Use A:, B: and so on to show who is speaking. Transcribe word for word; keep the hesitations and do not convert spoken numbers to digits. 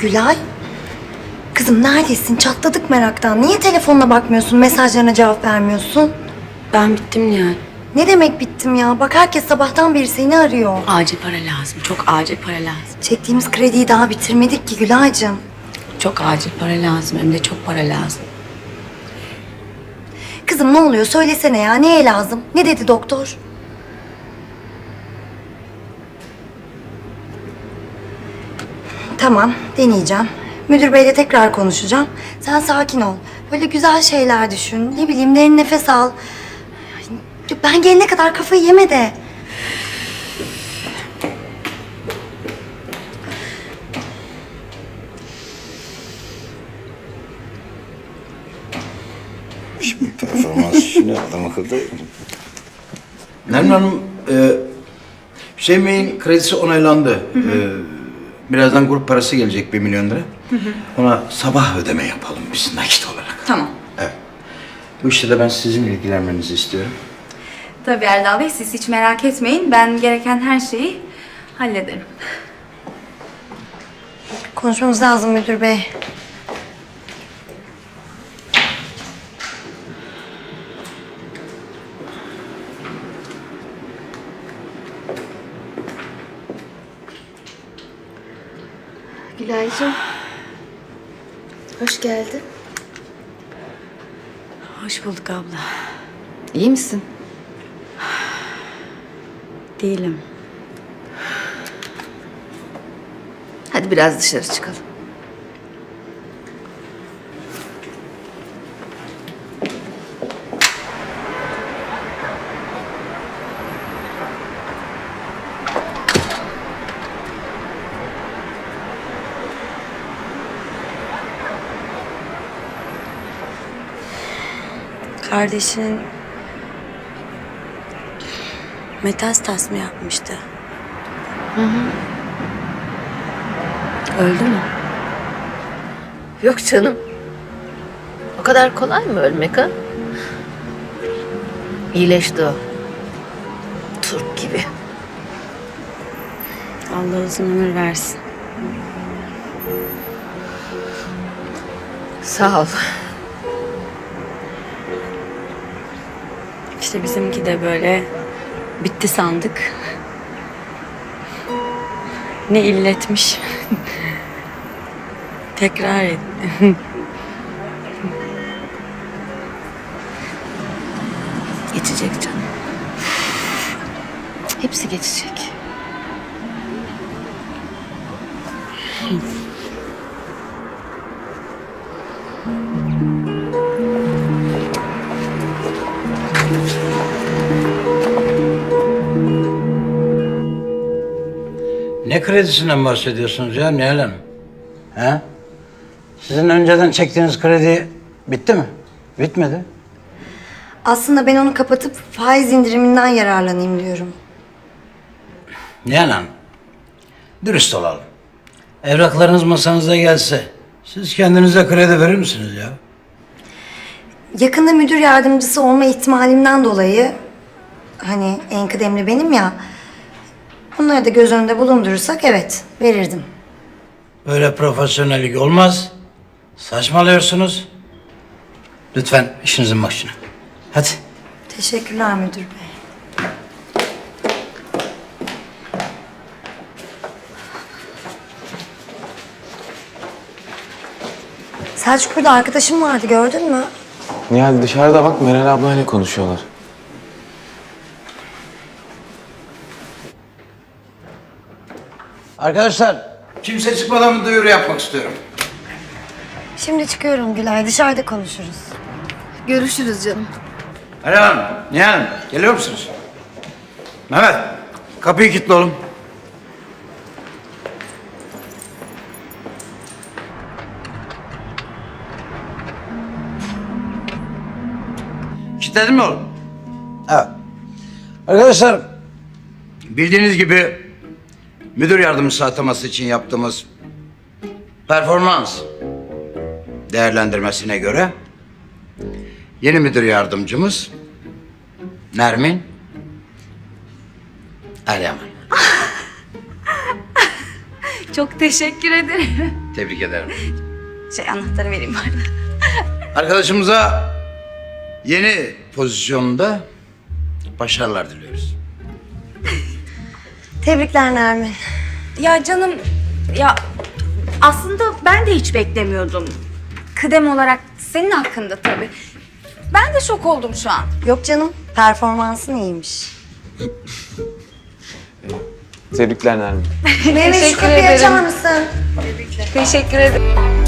A: Gülay. Kızım neredesin? Çatladık meraktan. Niye telefonuna bakmıyorsun? Mesajlarına cevap vermiyorsun?
B: Ben bittim Nihal.
A: Ne demek bittim ya? Bak herkes sabahtan beri seni arıyor.
B: Acil para lazım. Çok acil para lazım.
A: Çektiğimiz krediyi daha bitirmedik ki Gülay'cığım.
B: Çok acil para lazım. Hem de çok para lazım.
A: Kızım ne oluyor? Söylesene ya. Neye lazım? Ne dedi doktor? Tamam, deneyeceğim. Müdür beyle tekrar konuşacağım. Sen sakin ol. Böyle güzel şeyler düşün. Ne bileyim, derin nefes al. Ben gelene kadar kafayı yeme de.
C: Şimdi performans işini adam akıllı.
D: Nermin Hanım, e, Hüseyin Bey'in kredisi onaylandı. Hı hı. E, birazdan grup parası gelecek bir milyon lira. Hı hı. Ona sabah ödeme yapalım biz nakit olarak.
B: Tamam.
D: Evet. Bu işte de ben sizin ilgilenmenizi istiyorum.
E: Tabii Erdal Bey, siz hiç merak etmeyin. Ben gereken her şeyi hallederim.
A: Konuşmamız lazım müdür bey. Gülaycığım. Hoş geldin.
B: Hoş bulduk abla.
E: İyi misin?
B: Değilim.
E: Hadi biraz dışarı çıkalım.
B: Kardeşinin metastas mı yapmıştı? Hı hı. Öldü mü?
F: Yok canım. O kadar kolay mı ölmek ha? İyileşti o. Turp gibi.
B: Allah uzun ömür versin.
F: Sağ ol.
B: İşte bizimki de böyle bitti sandık. Ne illetmiş. Tekrar etti.
F: Geçecek canım. Hepsi geçecek.
D: Ne kredisinden bahsediyorsunuz ya Nihal Hanım? He? Sizin önceden çektiğiniz kredi bitti mi? Bitmedi.
A: Aslında ben onu kapatıp faiz indiriminden yararlanayım diyorum.
D: Nihal Hanım, dürüst olalım. Evraklarınız masanıza gelse, siz kendinize kredi verir misiniz ya?
A: Yakında müdür yardımcısı olma ihtimalimden dolayı... ...hani en kıdemli benim ya... ...bunları da göz önünde bulundurursak evet, verirdim.
D: Böyle profesyonellik olmaz. Saçmalıyorsunuz. Lütfen işinizin başına. Hadi.
A: Teşekkürler müdür bey. Selçuk, burada arkadaşım vardı, gördün mü?
G: Nihal dışarıda bak, Meral ablayla konuşuyorlar.
D: Arkadaşlar, kimse çıkmadan bir duyuru yapmak istiyorum.
A: Şimdi çıkıyorum Gülay, dışarıda konuşuruz.
E: Görüşürüz canım.
D: Meral Hanım, Nihal Hanım, geliyor musunuz? Mehmet, kapıyı kilitle oğlum. Kilitledin mi oğlum? Evet. Arkadaşlar, bildiğiniz gibi müdür yardımcısı ataması için yaptığımız performans değerlendirmesine göre yeni müdür yardımcımız Nermin Eryaman.
E: Çok teşekkür ederim.
D: Tebrik ederim.
E: Şey anahtarı vereyim bari.
D: Arkadaşımıza yeni pozisyonda başarılar diliyoruz.
A: Tebrikler Nermin.
E: Ya canım, ya aslında ben de hiç beklemiyordum. Kıdem olarak senin hakkında tabii. Ben de şok oldum şu an.
A: Yok canım, performansın iyiymiş.
G: Tebrikler Nermin.
A: Mehmet şu kapıyı açar mısın?
F: Teşekkür ederim.